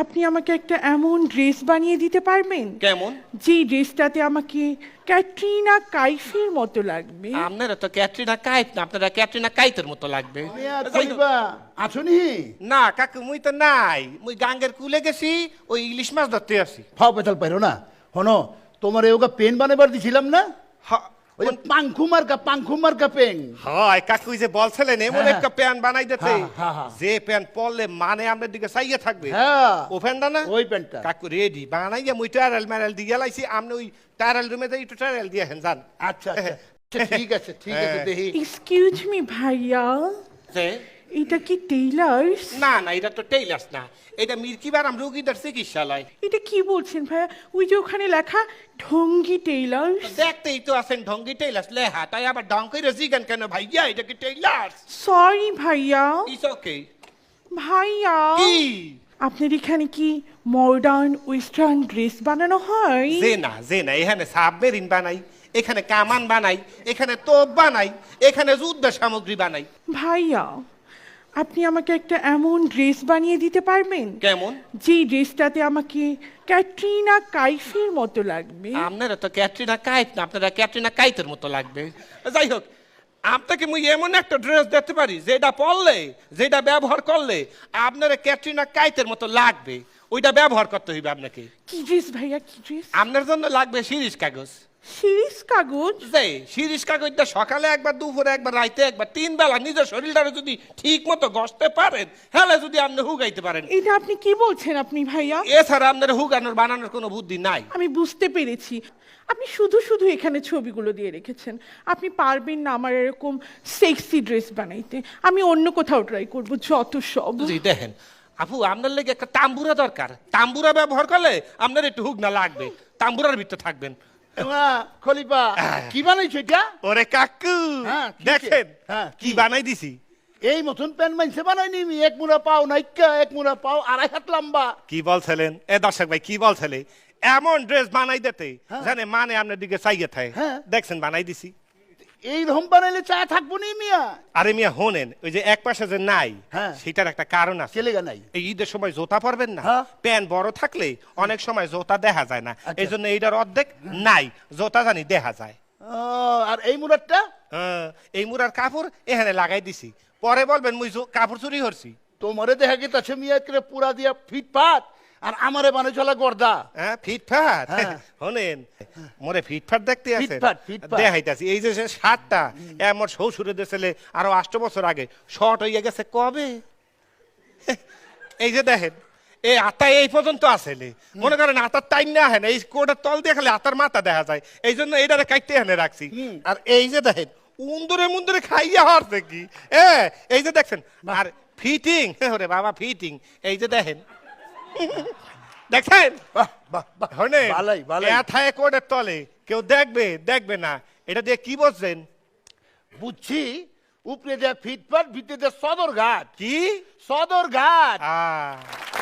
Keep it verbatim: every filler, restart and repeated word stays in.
আপনি আমাকে একটা এমন ড্রেস বানিয়ে দিতে পারবেন কেমন? যে ড্রেসটাতে আমাকে ক্যাটরিনা কাইফের মতো লাগবে। আপনারা তো ক্যাটরিনা কাইফ না, আপনারা ক্যাটরিনা কাইতের মতো লাগবে। আছনি না কাকু, মুই তো নাই, মুই গাঙ্গের কুলে গেছি, ওই ইলিশ মাছ ধরতে আসি। ফাও পেতাল পাইরো না হনো তোমার এওগা পেন বানাবার দিছিলাম না, হ- ওই যে পাংখু মার্কা পাংখু মার্কা পেন। হয় কাকু, ওই যে বলছিলেন এমন হ্যাঁ। একটা প্যান বানাই দিতে, হ্যাঁ, হ্যাঁ, হ্যাঁ। যে প্যান পরলে মানে আপনার দিকে চাইয়ে থাকবে। হ্যাঁ ও প্যানটা না, ওই প্যান্টটা। কাকু রেডি বানাইয়া মুই টায়ারেল ম্যারেল দিয়ে লাইছি, আপনি ওই টায়ারেল রুমে যাই একটু টায়ারেল দিয়ে হেন যান। আচ্ছা আচ্ছা আচ্ছা, ঠিক আছে ঠিক আছে হ্যাঁ। দেখি। এক্সকিউজ মি ভাইয়া, যে, এটা কি টেইলার্স? না না, এটা তো টেইলার্স না, এটা মির্কিবারাম রোগীদের চিকিৎসালয়। এটা কি বলছেন ভাইয়া? ওই যে ওখানে লেখা ঢঙ্গি টেইলার্স। দেখতেই তো আছেন ঢঙ্গি টেইলার্স লেহা, তাই আবার ঢং করে জিগান কেন ভাইয়া? এটা কি টেইলার্স? সরি ভাইয়া। It's okay. ভাইয়া, কি? আপনার এখানে কি মডার্ন ওয়েস্টার্ন ড্রেস বানানো হয়? যে না যে না, এখানে সাবমেরিন বানাই, এখানে কামান বানাই, এখানে তোপ বানাই, এখানে যুদ্ধ সামগ্রী বানাই। ভাইয়া, আপনি আমাকে একটা এমন ড্রেস বানিয়ে দিতে পারবেন কেমন? যে ড্রেসটাতে আমাকে ক্যাটরিনা কাইফের মতো লাগবে। আপনারা তো ক্যাটরিনা কাইফ না, আপনারা ক্যাটরিনা কাইতের মতো লাগবে। যাই হোক, আপনাকে মুই এমন একটা ড্রেস দেখতে পারি যেটা পরলে, যেটা ব্যবহার করলে আপনারা ক্যাটরিনা কাইতের মতো লাগবে, ওইটা ব্যবহার করতে হইবে আপনাকে। কি ড্রেস ভাইয়া, কি ড্রেস? আপনার জন্য লাগবে শিরিষ কাগজ। শিরিষ কাগজ? যে শিরিষ কাগজটা সকালে একবার, দুপুরে একবার, রাইতে একবার, তিন বেলা নিজের শরীরটারে যদি ঠিক মতো ঘষতে পারেন, হ্যাঁ যদি আপনি হুগাইতে পারেন। এটা আপনি কি বলছেন আপনি ভাইয়া? এছাড়া আপনার হুগানোর বানানোর কোনো বুদ্ধি নাই। আমি বুঝতে পেরেছি, আপনি শুধু শুধু এখানে ছবিগুলো দিয়ে রেখেছেন। আপনি পারবেন না আমার এরকম সেক্সি ড্রেস বানাইতে। আমি অন্য কোথাও ট্রাই করব, যত সব। জি দেখেন আপু, আপনার লেগে একটা তাম্বুরা দরকার, তাম্বুরা ব্যবহার করলে আপনার একটু হুগনা লাগবে, তাম্বুরার ভিতরে থাকবেন। এমা, খলিফা কি বানাইছো এটা? ওরে কাকু হ্যাঁ, কি- দেখেন হ্যাঁ, কি কি? বানাই দিছি। এই মতন প্যান মাইনছে বানাইনি আমি, এক মুড়া পাও নাইকা, এক মুড়া পাও আড়াই হাত লম্বা। কি বলছিলেন এ দর্শক ভাই, কি বলছিলে? এমন ড্রেস বানাই দিতে জানে মানে আপনার দিকে চাইয়ে থাকে। হ্যাঁ। দেখছেন বানাই দিছি। এই রকম বানাইলে চা থাকবো নি মিয়া? আরে মিয়া হোনেন, ওই যে এক পাশে যে নাই, হ্যাঁ। সেটার একটা কারণ আছে। কেলেগা নাই? এই ঈদের সময় জোতা পরবেন না, হ্যাঁ। প্যান বড় থাকলে অনেক সময় জোতা দেখা যায় না, আচ্ছা। এই জন্য এইটার অর্ধেক নাই, জোতা জানি দেখা যায়। ও, আর এই মুড়ারটা? হ্যাঁ, এই মুরার কাপড় এখানে লাগাই দিছি, পরে বলবেন মুই জো- কাপড় চুরি করছি। তোমারে দেখা গেছে মিয়া করে পুরা দিয়া ফিটফাট, আর আমারে বানাই চলা গর্দা। হ্যাঁ ফিটফাট, হ্যাঁ। শোনেন মোরে ফিটফাট দেখতে আছে, ফিটফাট, ফিটফাট। দেখাইতাছি। এই যে সে শার্টটা এ আমার শ্বশুরে দিয়েছিলে আরো আষ্ট বছর আগে, শর্ট হইয়া গেছে কবে। এই যে দেখেন এই আতা এই পর্যন্ত আসলে, মনে করেন আতার টাইম না হয় না, এই কোটার তল দিয়ে খালি আতার মাথা দেখা যায়, এই জন্য এইটারে কাটতে এনে রাখছি। আর এই যে দেখেন উন্দরে মুন্দরে খাইয়া হরছে কি, এ এই যে দেখছেন। আর ফিটিং, ওরে বাবা ফিটিং, এই যে দেখেন দেখেন বাহ বাহ বাহ, হনে ভালোই, ভালোই। এথায় কোটের তলে কেউ দেখবে দেখবে না, এটা দিয়ে কি বলছেন? বুঝছি, উপরে দেয়া ফিটফাট, ভিতরে দেয়া সদর ঘাট। কি সদর ঘাট। আহ